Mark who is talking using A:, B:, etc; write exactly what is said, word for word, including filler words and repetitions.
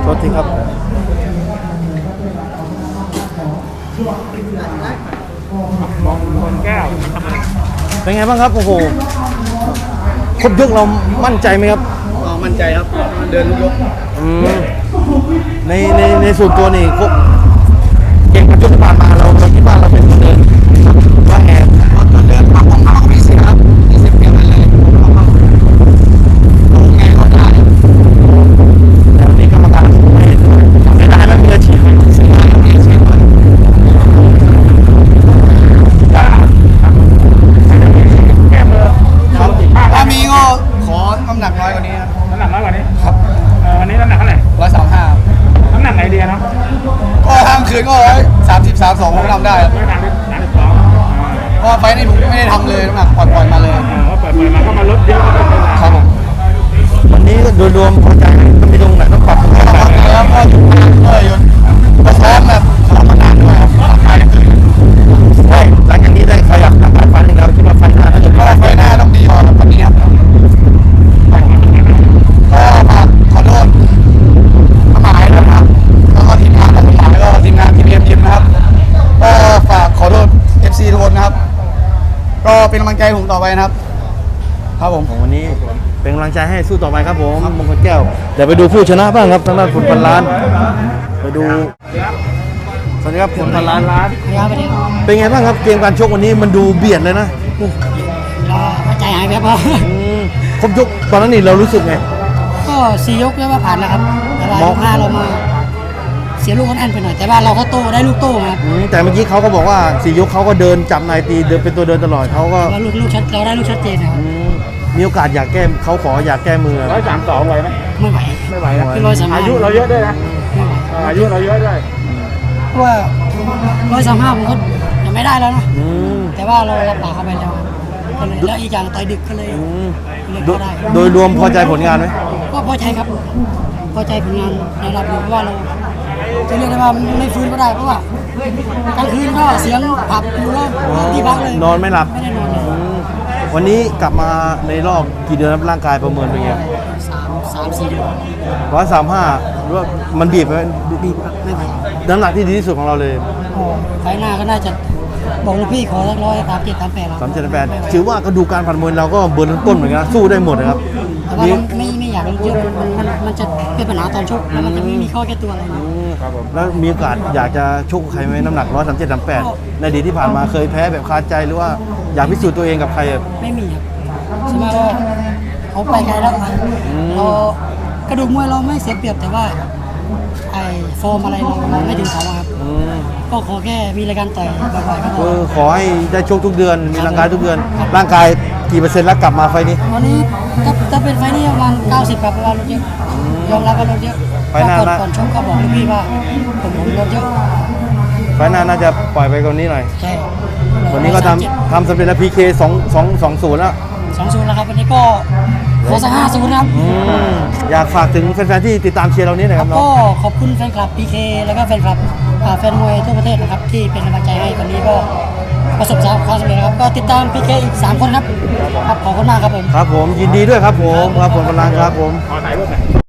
A: ษทีครับ
B: มองคนแก้ว
A: เป็นไงบ้างครับโอ้โหครบยกเรามั่นใจไหมครับ
C: อ๋อมั่นใจครับเดินยก
A: อืมในในในส่วนตัวนี่ครบเก่งกว่าชุดที่ผ่านมาเราเราคิดว่าเราเป็นคนเดินว่าไง
C: ตอนเดินมาของเราไม่เสียครับไม่เสียเปรียบอะไรเลยลงไงก็ได้
A: แต่วันนี้กรรมการไม่ไม่ได้ไม่มีอาชีพเสียไม่มีอาชีพ
B: แก้มือ
C: ครับถ้ามีก็ขอน้ำหนักน้อยกว่านี้ครับ
B: น้ำหนักน้อยกว่านี้
C: ครับ
B: วันนี้น้ำหนักเท่าไหร่
C: ร้อยสามห้า
B: น้ำหนักไหนดีเนาะ
C: ก็ทางคืนก็ร้อยสามสิบสามสองผมทำได้ครับ
B: ร้อยสามสิบสามสิบสอง
C: เพราะไฟนี้ผมไม่ได้ทำเลยน้ำหนักปล่อยๆมาเลย
B: ว่าปล่อยๆมาก็มาลดเยอะ
A: ครับผมวันนี้โดยรวมพอใจต้องมีตรงไหนต้องปรับตรงไหนบ้าง
C: แล้วก็อยู่ด้วยยนก็ซ้อมแบบซ้อมมานานด้วยครับ
A: หลังจากนี้ได้ขยับทางการฟันเราคิดว่าไฟหน้าจะ
C: ก็ไฟหน้าต้องดีกว่าตอนนี้ครับก็มาขอโทษหมายนะครับแล้วก็ทีมงานของหมายแล้วก็ทีมงานทีมเอ็มยิมนะครับก็ฝากขอโทษ เอฟ ซี ทุกคนนะครับก็เป็นกำลังใจผมต่อไปนะครับครับผม
A: วันนี้เป็นกำลังใจให้สู้ต่อไปครับผมมงคลแก้วเดี๋ยวไปดูผู้ชนะบ้างครับทางด้านฝุ่นพันล้านไปดูสวัสดีครับฝุ่นพันล้านเป็นไงบ้างครับเกมการชกวันนี้มันดูเบียดเลยนะ
D: เราใจหายแบบว่า
A: ครบยกตอนนั้นนี่เรารู้สึกไง
D: ก็สี่ยกแล้วว่าผ่านแล้วครับแต่ว่ายกห้าเรามาเสียลูกอันไปหน่อยแต่ว่าเราก็โต้ได้ลูกโต้ครับ
A: แต่เมื่อกี้เขาก็บอกว่าสี่ยกเขาก็เดินจับนายตีเดินเป็นตัวเดินตลอดเขาก็
D: ลูกลูกชัดเราได้ลูกชัดเจนครับ
A: มีโอกาสอยากแก้เขาขออยากแก้มือ
B: ร้อยสามสองไหวไหม
D: ไม่ไหว
B: ไม่ไหวนะอายุเราเยอะด้วยนะอายุเราเยอะด้วย
D: เพราะว่าร้อยสามห้าผมก็ยังไม่ได้แล้วนะแต่ว่าเรารับปากเข้าไปแล้วแล้วอีกอย่างต่อยดึกก็เลย
A: โดยรวมพอใจผลงานไหม
D: ก็พอใจครับพอใจผลงานในระดับหนึ่งเพราะว่าเราจะเรียกได้ว่าไม่ฟื้นก็ได้เพราะว่ากลางคืนก็เสียงผับอยู่แล้วที่พักเลย
A: นอนไม่หลับ
D: ไม่ได้นอนเลย
A: วันนี้กลับมาในรอบกี่เดือนร่างกายประเมินเป็นไง
D: สามสามสี่เดือน
A: ร้อยสามห้าหรือว่ามันบีบไหม
D: บีบไม่ไหว
A: น้ำหนักที่ดีที่สุดของเราเลย
D: ไฟหน้าก็น่าจะบอกลูกพี่ขอสักร้อยสามเจ็ดสามแปด
A: สามเจ็ดสามแปดถือว่ากระดูกการผ่านมวยเราก็เบิร์นต้นเหมือนกันสู้ได้หมดนะครับ
D: แต่ว่าไม่ไม่อยากเยอะมันมันจะเป็นปัญหาตอนชกแล้วมันจะไม่มีข้อแก้ตัวอะไร
A: แล้วมีโอกาสอยากจะชกใครไหมน้ำหนักร้อยสามเจ็ดสามแปดในอดีตที่ผ่านมาเคยแพ้แบบคาใจหรือว่าอยากพิสูจน์ตัวเองกับใคร
D: ไม่มีครับใช่ไหมว่าเขาไปไกลแล้วเรากระดูกมวยเราไม่เสียเปรียบแต่ว่าไอ้ฟอร์มอะไรเราเราไม่ถึงเขาครับก็ขอแค่มีรายการต่อยบ่อยๆก็พอ
A: ขอให้ได้ชกทุกเดือนมีร่างกายทุกเดือนร่างกายกี่เปอร์เซ็นต์แล้วกลับมาไฟนี้
D: วันนี้ถ้าถ้าเป็นไฟนี้ประมาณเก้าสิบครับเพราะว่าลดเยอะยอมรับว่าลดเยอะ
A: ไฟหน้านะ
D: ก่อนชกก็บอกลูกพี่ว่าผมผมลดเยอะ
A: ไฟหน้าน่าจะปล่อยไปกว่านี้หน่อย
D: ใช่
A: วันนี้ก็ทำทำสำเร็จแล้วพีเคสองสองสองศูนย์แล้ว
D: สองศูนย์แล้วครับวันนี้ก็ขอสักห้าศูนย์ครับ
A: อยากฝากถึงแฟนๆที่ติดตามเชียร์เรานี้หน่อยครับ
D: ก็ขอบคุณแฟนคลับ พี เค แล้วก็แฟนคลับแฟนมวยทั่วประเทศนะครับที่เป็นกำลังใจให้วันนี้ก็ประสบความสำเร็จนะครับก็ติดตาม พี เค อีกสามคนครับครับขอบคุณมากครับผม
A: ครับผมยินดีด้วยครับผมครับผมกำลังครับผม
B: ขอถ่ายรูปหน่อย